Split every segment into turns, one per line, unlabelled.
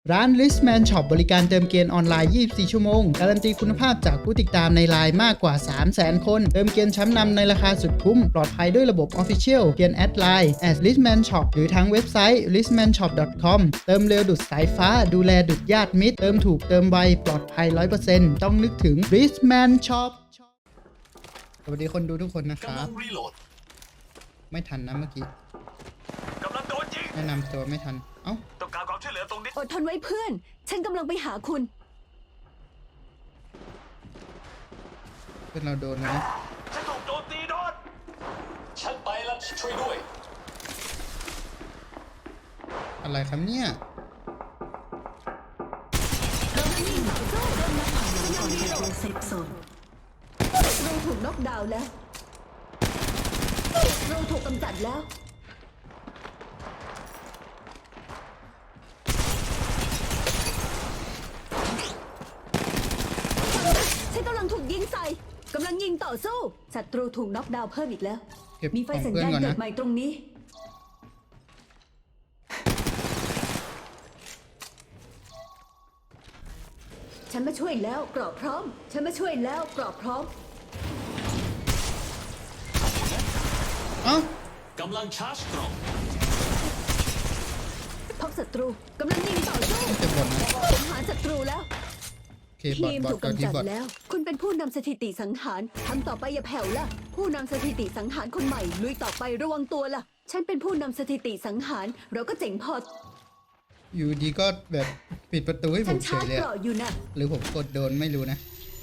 ร้าน Listman Shop บริการเติมเกมออนไลน์ 24 ชั่วโมง การันตีคุณภาพจากผู้ติดตามในไลน์มากกว่า 300,000 คน เติมเกมชั้นนำในราคาสุดคุ้ม ปลอดภัยด้วยระบบ Official เพียงแอดไลน์ @Listman Shop หรือทางเว็บไซต์ listmanshop.com เติมเร็วดุดสายฟ้า ดูแลดุดญาติมิตร เติมถูกเติมไว ปลอดภัย 100% ต้องนึกถึง Listman Shop สวัสดีคนดูทุกคนนะครับ ไม่ทันนะเมื่อกี้
กำลังโดนยิง
แนะนำตัวไม่ทัน เอ้า
ต้องการความช่วยเหลือตรงนี้
อดทนไว้เพื่อน ฉันกำลังไปหาคุณ
เพื่อนเราโดนแล้วนะ
ฉันถูกโจมตีโดน
ฉันไปแล้วช่วยด้วย
อะไรครับเนี่ย
เซฟโซนเราถูกน็อกดาวน์แล้วเราถูกกำจัดแล้วฉันกำลังถูกยิงใส่กำลังยิงต่อสู้ศัตรูถูกน็อกดาวน์เพิ่มอีกแล้ว
เก็บ
มีไฟ
ของ
สัญ
เพื่อน
ญาณ
ก่อน
เกิ
นะ
ดใหม่ตรงนี้ฉันมาช่วยแล้วกรอบพร้อมฉันมาช่วยแล้วกรอบพร้อม
เอ้าก
ำลังชาร์จกล่อง
พบศัตรูกำลังยิงต่อสู้
จะบ่นนะ
สังหารศัตรูแล้ว
โอเคบอ
ที
ท
ม
บอท
ถูก
ก่อน
กำ
ที่
จัด
บอท
แล้ว คุณเป็นผู้นำสถิติสังหารทำต่อไปอย่าแผ่วล่ะ ผู้นำสถิติสังหารคนใหม่ลุยต่อไประวังตัวล่ะ ฉันเป็นผู้นำสถิติสังหารเราก็เจ๋งพอ
อยู่ดีก็แบบปิดประตูให้ผ
ฉัน
มเฉ
ชาย ร์จ
เลย
เกราะอยู่นะ
หรือผมกดโดนไม่รู้นะ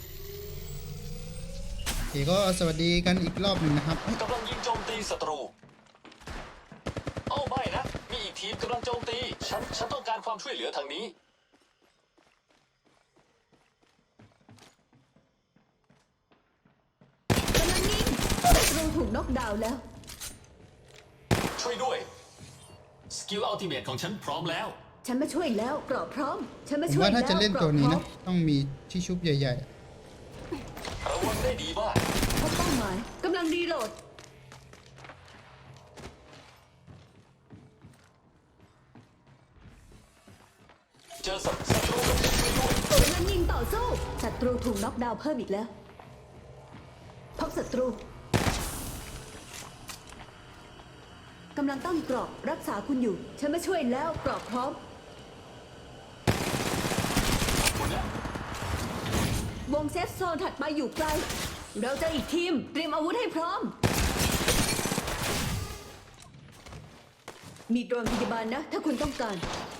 โอเคก็สวัสดีกันอีกรอบหนึ่งนะครับเอ้ย
กำลังยิงโจมตีศัตรูโอ้ไม่นะ มีอีกทีมกำลังโจมตี ฉันต้องการความช่วยเหลือทางนี้
กำลังยิงศัตรูถูกน็อกดาวน์แล้ว
ช่วยด้วย สกิลอัลติเมทของฉันพร้อมแล้ว
ฉันมาช่วยแล้วกรอบพร้อม ฉันมา
ผม
ช่วย
ว่า
แล้ว
ถ้าจะเล่น
กร
ตั
อ
ว
บ
นี้
พร้อ
นะ
ม
ต้องมีที่ชุบใหญ่
ระวังได้ดีมาก
พบเป้าหมายกำลังรีโหลด
เจอศัตรูกำลังช่วยด้วย
กำลังยิงต่อสู้ศัตรูถูกน็อกดาวน์เพิ่มอีกแล้วพบศัตรูกำลังตั้งกรอบรักษาคุณอยู่ ฉันมาช่วยแล้วกรอบพร้อม วงเซฟโซนถัดไปอยู่ไกล เราเจออีกทีมเตรียมอาวุธให้พร้อม มีโดรนพยาบาลนะ ถ้าคุณต้องการ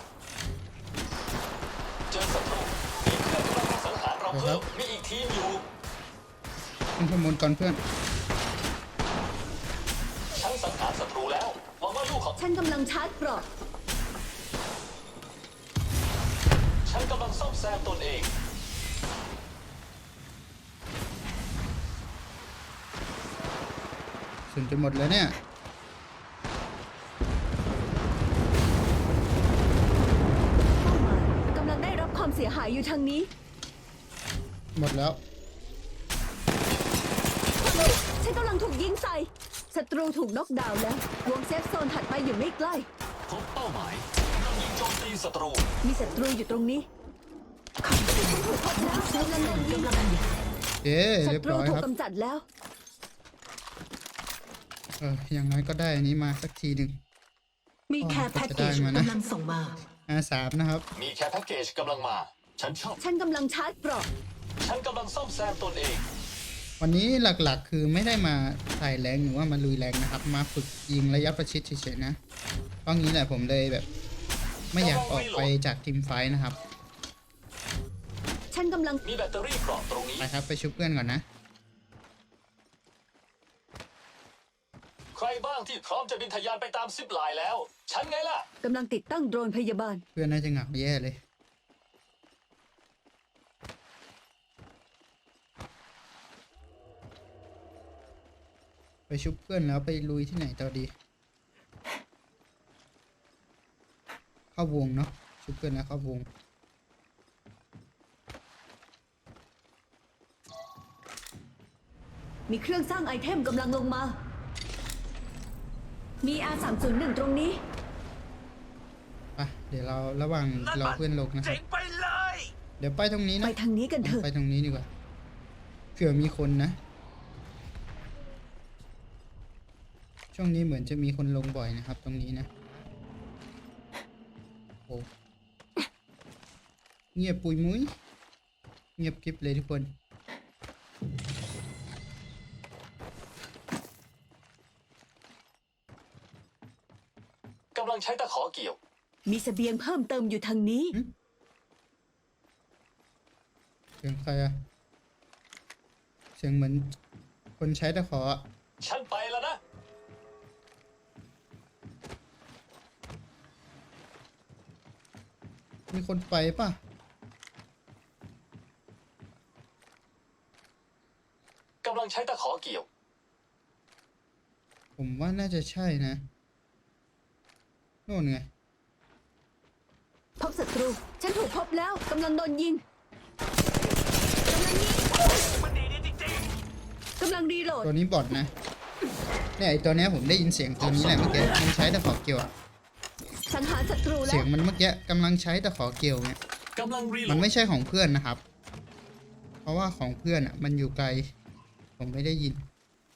เจอศัตรูมีเพื่อนกำลังสังหารเราเพิ่มมีอีกทีมอยู่
ๆขึ้นข้อมูลก่อนเพื่อน
ฉันสังหารศัตรูแล้วหวังว่าลูกของ
ฉันกำลังชาร์จกรอบ
ฉันกำลังซ่อมแซมตนเอง
ส่วนจะหมดแล้วเนี่ย
เป้าหมายกำลังได้รับความเสียหายอยู่ทางนี้
หมดแล้ว
ฉันกำลังถูกยิงใส่ศัตรูถูกน็อกดาวน์แล้ว วงเซฟโซนถัดไปอยู่ไม่ใกล้
พบเป้าหมายกำลังยิงโจมตีศัตรู
มีศัตรูอยู่ตรงนี้ฉันถูกพบแล้วกำลังโดนยิง
โอเค
ศั
เรียบ
ตรู
ร้อย
ถู
ค
ก
รับ
กำจัดแล้ว
อย่างน้อยก็ได้อันนี้มาสักทีหนึ่ง
มีแคร์แพ็กเกจ
จะได้มานะ
กำลังส่งมา
R3นะครับ
มีแค่แพ็กเกจกำลังมา ฉันชอบ
ฉันกำลังชาร์จเกราะ
ฉันกำลังซ่อมแซมตนเอง
วันนี้หลักๆ คือไม่ได้มาใส่แรงหรือว่ามาลุยแรงนะครับ มาฝึกยิงระยะประชิดเฉยๆนะเพราะงี้แหละผมเลยแบบ ไม่อยากออกไปจากทีมไฟท์นะครับ
ฉันกำลัง
มีแบตเตอรี่เกราะตรงนี้
ไปครับไปชุบเพื่อนก่อนนะ
ใครบ้างที่พร้อมจะบินทะยานไปตามซิปไลน์แล้ว ฉันไงล่ะ
กำลังติดตั้งโดรนพยาบาล
เพื่อนน่าจะเหงาแย่เลย ไปชุบเพื่อนแล้วไปลุยที่ไหนต่อดี เข้าวงเนาะชุบเพื่อนแล้วเข้าวง
มีเครื่องสร้างไอเทมกำลังลงมา มี R301 ตรงนี้
ไปดี๋ยวเราระหว่างรอเพื่อนลงนะครั
เจ๋
บ
งไปเลย
เดี๋ยวไปตรงนี้
ไป
นะ
ทางนี้กันเถอะ
ไปตรงนี้ดีกว่าเผื่อมีคนนะ ช่วงนี้เหมือนจะมีคนลงบ่อยนะครับ ตรงนี้นะโอ้เงียบปุยมุ้ยเงียบกริบเลยทุกคน
กำลังใช้ตะขอเกี่ยว
มีเสบียงเพิ่มเติมอยู่ทางนี้
เสียงใครอะเสียงเหมือนคนใช้ตะขออะ
ฉันไปแล้วนะ
มีคนไปป่ะ
กำลังใช้ตะขอเกี่ยว
ผมว่าน่าจะใช่นะโน่นไง
พบศัตรู ฉันถูกพบแล้วกำลังโดนยิงกำลังยิง
มันดีจริง
กำลังรีโหลด
ตัวนี้บอทนะเนี่ยไอตัวเนี้ยผมได้ยินเสียงตัวนี้แหละเมื่อกี้มันใช้ตะขอเกี่ยวอะ
สังหารศัตรูแล้
เสี
วย
งมันเมื่อกี้กำลังใช้ตะขอเกี่ยวเนี่ย
กำลังรีโหล
มัน
ด
ไม่ใช่ของเพื่อนนะครับ เพราะว่าของเพื่อนอ่ะมันอยู่ไกล ผมไม่ได้ยิน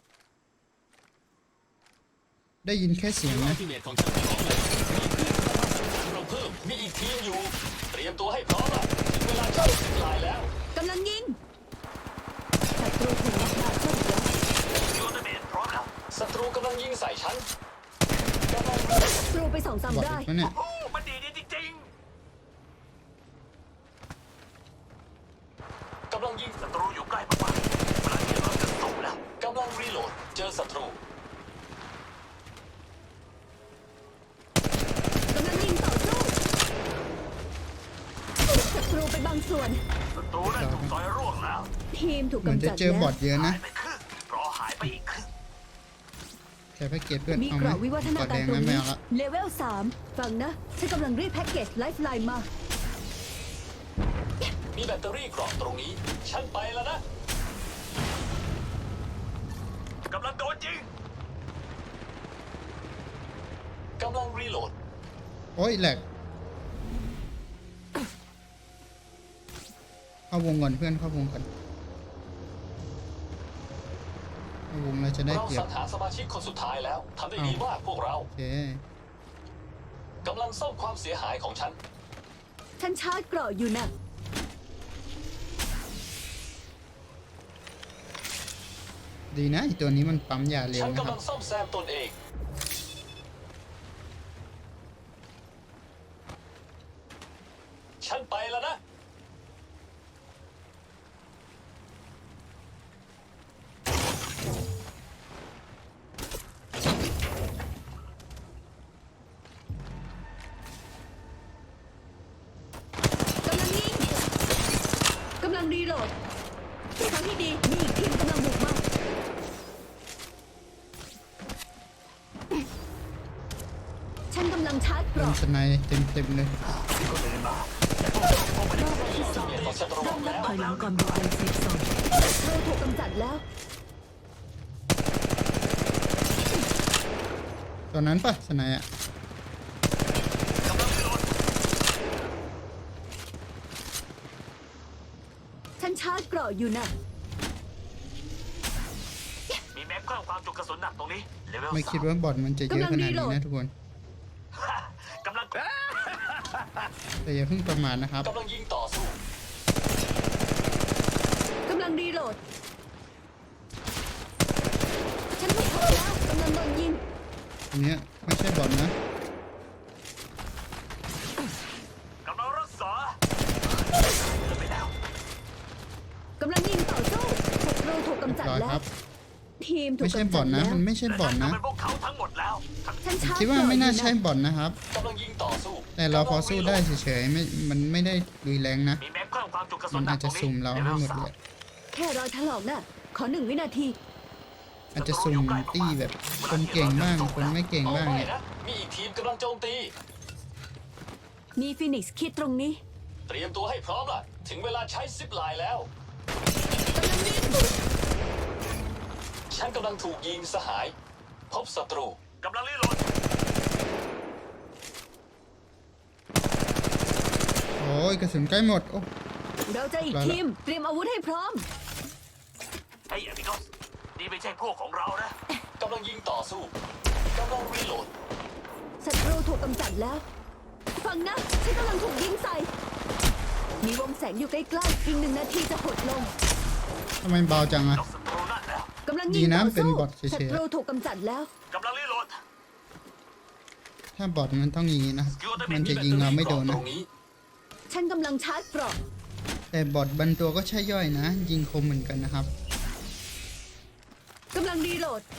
ได้ยินแค่เสียงนะ
ทีเมทของฉันพร้อมเลยเราเพิ่มมีอีกทีมอยู่ เตรียมตัวให้พร้อมละถึงเวลาเข้าสิบลายแล้ว
กำลังยิงศัตรูถูกล็อกดาวน์เข้าอีกแล้ว
ๆยูนิเมตพร้อมแล้ว
ศัตรูกำลังยิงใส่ฉันกำลัง
ศัตรูไปสองสาม
บอท
ได้
อีกแล้วเนี่ย
โอ้มันดีจริง
กำลังยิง
ๆศัตรูอยู่ใกล้มากๆเวลาที่เราจะส่งแล้ว
กำลังรีโหลด เจอศัตรู
กำลังยิงต่อสู้ศัตรูไปบางส่วน
ศัตรูนั่นถูกซอยร่วงแล้ว
ทีมถูก
เหมือน
กำ
จะ
จัด
เจอบอ
แล้ว
ทเยอะนะ
หายไปครึ่งรอหายไปอีกครึ่ง
แค่แพ็กเกจเพื่อน
มี
เอา
ก
ไหม
รอบวิวัฒนา
บอท
กา
แด
รง ตรง
นั้นไม่
นี้
เอาละ
เลเวล3ฟังนะ ฉันกำลังรีดแพ็กเกจไลฟ์ไลน์มา
มีแบตเตอรี่กรอบตรงนี้ ฉันไปแล้วนะ
กำลังโดนยิง
กำลังรีโหลด
โอ้ยแหลกเข้าวงก่อนเพื่อนเข้าวงก่อนเข้าวงเราจะได้
เรา
เปรีย
สั
บ
งหารสมาชิกคนสุดท้ายแล้วทำได้ดีมากพวกเรา
โอเค
กำลังซ่อมความเสียหายของฉัน
ฉันชาร์จเกราะอยู่นะ
ดีนะไอตัวนี้มันปั๊มยาเร็ว
ฉัน
นะค
กำ
รั
ลั
บ
งซ่อมแซมตนเอง ฉันไปแล้วนะ
กำลังยิง กำลังรีโหลดทางที่ดี มีอีกทีมกำลังบุกมา ฉันกำลังชาร์จเก
โดน
ราะ
สไนเต็มเลย
รอบที่สอง
เมียของฉันรวมแล้ว
ถอยหลังก่อนบุกยังเซฟโซน
เราถูกกำจัดแล้ว
ตัวนั้นปะสไนอะ
ฉันชาร์จเกราะอยู่นะ
มีแม็กเพิ่มความจุกระสุนหนักตรงนี้เลเวล
ไม่คิดว่าบอทมันจะเยอะขนาดนี้นะทุกคน
กำลัง
แต่อย่าเพิ่งประมาทนะครับ
กำลังยิงต่อสู้
กำลังรีโหลด ฉันถูกพบแล้วกำลังโดนยิง
อันเนี้ยไม่ใช่บอทนะ
กำลังรักษาไปแล้ว
กำลังยิงต่อสู้ศัตรูถูกกำจัด
ร้อย
แล้
คว รับ
ทีมถูก
ไม่ใช่
กำ
บ
จั
อ
ด
ทนะ
แล้ว
มันไม่ใช่บอทนะ
เป็นพวกเขาทั้งหมดแล้ว
ฉันชาร์จ
คิดว่าไม่น่าใช่
เกร
บอทนะครับ
กำลังยิงต่อสู้
แต่เราพอสู้ได้เฉยๆไม่มันไม่ได้รุนแรงนะ
มีแม็กเพิ่มความจุกระสุ
มัน น
หนั
อาก จ
ตร
จะ
งนี้
สุ่มเราให้หมดเลย
แค่รอยถลอกน่ะ ขอ1 วินาที
อาจจะสุ่มตี้แบบคนเก่งบ้างคนไม่เก่ง
เอา
บ้าง
ไม่
เนี่ย
นะ มีอีกทีมกำลังโจมตี
มีฟินิกซ์คิดตรงนี้
เตรียมตัวให้พร้อมล่ะ ถึงเวลาใช้ซิปไลน์แล้ว
กำลังยิง
ฉันกำลังถูกยิงสหาย พบศัตรู
กำลังรีโหลด
ยกระสุนใกล้หมดโอ้
เราจะอีกทีม เตรียมอาวุธให้พร้อม
ไอ้อมิโกสนี่ไม่ใช่พวกของเรานะ
กำลังยิงต่อสู้กำลังรีโหลด
ศัตรูถูกกำจัดแล้ว ฟังนะ ฉันกำลังถูกยิงใส่ มีวงแสงอยู่ใกล้ๆอีก1 นาทีจะหดลง
ทำไมเบาจังอะ
นอกศัตรูนั่นแล้ว
กำลัง
ดี
ยิง
นะ
ต่อ
เป็น
สู้
บอทเฉยๆ
ศัตรูถูกกำจัดแล้ว
กำลังรีโหลด
ถ้าบอทมันต้องอย่างนี้นะครับมันจะยิงเราไม่โดน
ต
นะ
รงนี้
ฉันกำลังชาร์จเกราะ
แต่บอทบางตัวก็ใช่ย่อยนะ ยิงคมเหมือนกันนะครับ
กำลังรีโหลด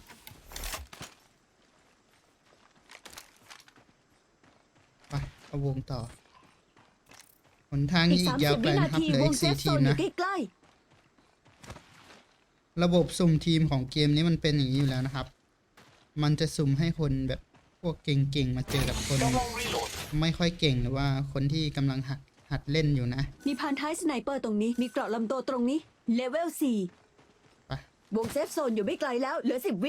ไปเอาวงต่อหนทาง
อี
นี้
ก
อีกยาว
30
ไกล
วินา
นะครับ
ที
เหลือ
ว
อี
ง
ก
เซฟ
4
โซ
ทีม
นอยู่
นะ
ใกล้
ระบบสุ่มทีมของเกมนี้มันเป็นอย่างนี้อยู่แล้วนะครับ มันจะสุ่มให้คนแบบพวกเก่งๆมาเจอกับคน
กำลังรีโหลด
ไม่ค่อยเก่งหรือว่าคนที่กำลังหัดเล่นอยู่นะ
ๆ มีพานท้ายสไนเปอร์ตรงนี้ มีเกราะลำตัวตรงนี้ เลเวล
ไป
4 วงเซฟโซนอยู่ไม่ไกลแล้ว เหลือ 10 วิ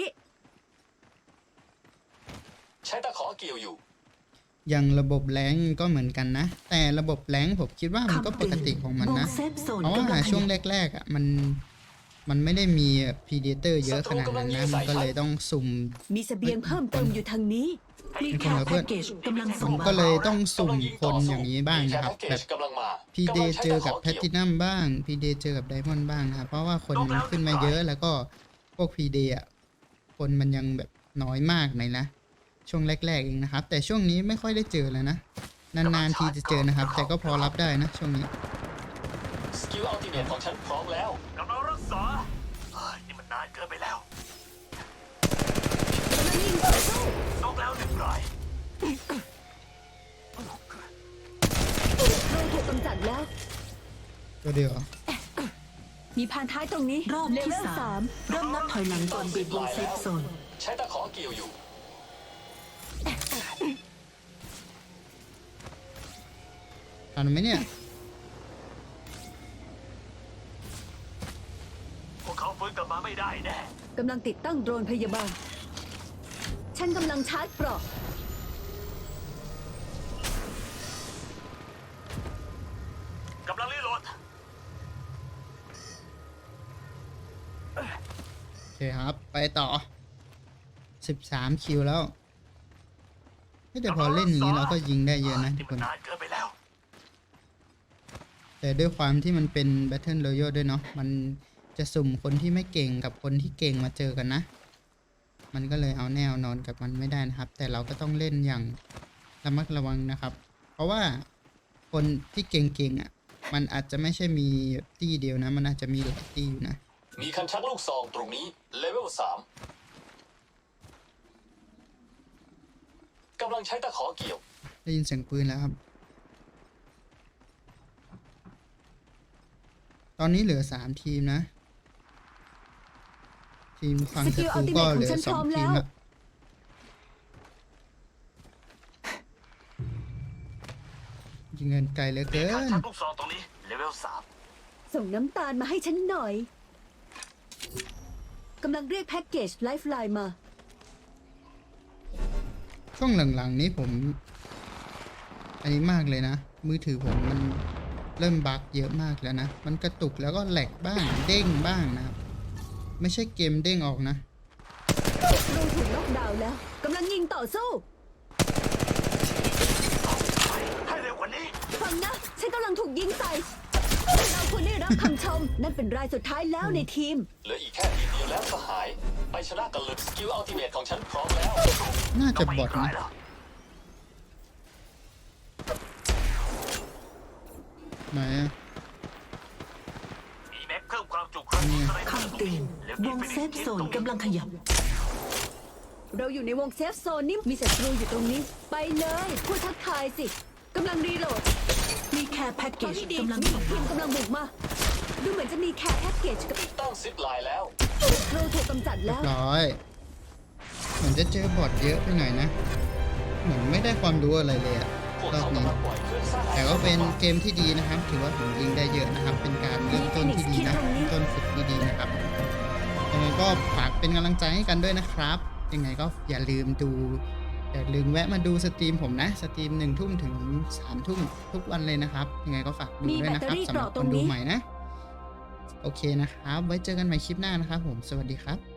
ใช้ตะขอเกี่ยวอยู่
อย่างระบบแรงก็เหมือนกันนะ แต่ระบบแรงผมคิดว่ามันก็ปกติของมันนะ
วงเซฟโซน
เพราะ
กำลั
ว่าง
ข
ช่วง
ยับ
แรกๆอ่ะมันไม่ได้มีพีเดเตอร์เยอะขนาดนั้นนะมันก็เลยต้องสุ่ม
มีเสบียงเพิ่มเติมอยู่ทางนี้
มี
มีค
แค่
นเหรอเพื่
แพ็
อน
กเกจกำลัง
ผ
ส่ง
ม
มา
ก็เลยต้องสุ่ม
กำลังยิง
ค
ต่อน สู้
อย่างนี้บ้างนะครับ
มีแพ็กเก
แบ
จ
บ
กำลังมา
พีเด
กำลังใช้
เจอกับ
ตะข
แพลตินัมบ้างพีเดเจอกับไดมอนด์บ้างนะครับเพราะว่าคนมันขึ้นมาเยอะแล้วก็พวกพีเดอ่ะคนมันยังแบบน้อยมากหน่อยนะ ช่วงแรกๆเองนะครับ แต่ช่วงนี้ไม่ค่อยได้เจอแล้วนะ นานๆทีจะเจอนะครับ แต่ก็พอรับได้นะช่วงนี้
สกิลอัลติเมทของฉันพร้อมแล้ว
กำลังรักษาเฮ้ยนี่มันนานเกินไปแล้ว
กำลังยิงต่อสู้
นกแล้ว1 ราย
ศัตรูถูกกำจัดแล้ว
ตัวเดียวเหรอ
มีพานท้ายตรงนี้
รอบ
เล
ที่
เวล
3 เริ่มนับถอยหลังก่อนบีบวงเซฟโซน
ใช้ตะขอเกี่ยวอยู่
ทันไหมเนี่ย
พวกเขาฟื้นกลับมาไม่ได้แน่
3กำลังติดตั้งโดรนพยาบาล ฉันกำลังชาร์จเกราะ
กำลังรีโหลด
โอเคครับ ไปต่อ 13 คิวแล้วแต่พอเล่นอย่างนี้เราก็ยิงได้เยอะนะทุ
นี่
กค
มัน
น
นานเกินไปแล้ว
แต่ด้วยความที่มันเป็น Battle Royale ด้วยเนาะ มันจะสุ่มคนที่ไม่เก่งกับคนที่เก่งมาเจอกันนะ มันก็เลยเอาแนวนอนกับมันไม่ได้นะครับ แต่เราก็ต้องเล่นอย่างระมัดระวังนะครับ เพราะว่าคนที่เก่งๆอ่ะ มันอาจจะไม่ใช่มีตี้เดียวนะ มันอาจจะมีหลายตี้อยู่นะ
มีคันชักลูกซองตรงนี้ เลเวล 3กำลังใช้ตะขอเกี่ยว
ได้ยินเสียงปืนแล้วครับ ตอนนี้เหลือ3 ทีมนะ ทีมฝั่งศัตรูก็เหลือ2 ทีมละยิงเงินไกลเหลือเกิ
มีการ
น
ชักลูกซองตรงนี้ เลเวล
ส่งน้ำตาลมาให้ฉันหน่อย กำลังเรียกแพ็กเกจไลฟ์ไลน์มา
ช่วงหลังๆนี้ผม อันนี้มากเลยนะ มือถือผมมันเริ่มบั๊กเยอะมากแล้วนะ มันกระตุกแล้วก็แหลกบ้าง เด้งบ้างนะครับ ไม่ใช่เกมเด้งออกนะ
ศัตรูถูกล็อกดาวน์แล้ว กำลังยิงต่อสู้
3 ให้เร็วกว่านี้
ฟังนะ ฉันกำลังถูกยิงใส่ เราควรได้รับคำชม นั่นเป็นรายสุดท้ายแล้วในทีม
เหลืออีกแค่ทีเดียวแล้วสหาย ไปชนะกันเลยสกิลอัลติเมทของฉันพร้อมแล้ว
น่าจะบอท
กลั
นะ
แล้ว
ไหนอะ
มีแม็กเพิ่มความจุครั้งนี้
คำเตือนวงเซฟโซนกำลังขยับ
เราอยู่ในวงเซฟโซนนี่มีศัตรูอยู่ตรงนี้ ไปเลยพูดทักทายสิ กำลังรีโหลด
มีแค่แพ็กเกจกำลัง
มี
ส่ง
ที
มาม
กำลังบุกมา ดูเหมือนจะมีแคร์แพ็กเกจกับ
ติดตั้งซิปไลน์แล้ว
ศัตรูถูกกำจัดแล้ว
ร้อยเหมือนจะเจอบอทเยอะไปหน่อยนะ เหมือนไม่ได้ความรู้อะไรเลยอะ
พวก
รอบ
เขา
นี้
กำลังปล่อยเครื่องสร้าง
แต่ก็เป็นเกมที่ดีนะครับ ถือว่าผมยิงได้เยอะนะครับ เป็นการเริ่มต้นที่ดีนะต้นฝึกที่ดีนะครับยังไงก็ฝากเป็นกำลังใจให้กันด้วยนะครับ ยังไงก็อย่าลืมดูอย่าลืมแวะมาดูสตรีมผมนะ สตรีม1 ทุ่มถึง3 ทุ่มทุกวันเลยนะครับ ยังไงก็ฝากดูด้วยนะครับสำหรับคนดูใหม่นะ โอเคนะครับ ไว้เจอกันใหม่คลิปหน้านะครับผม สวัสดีครับ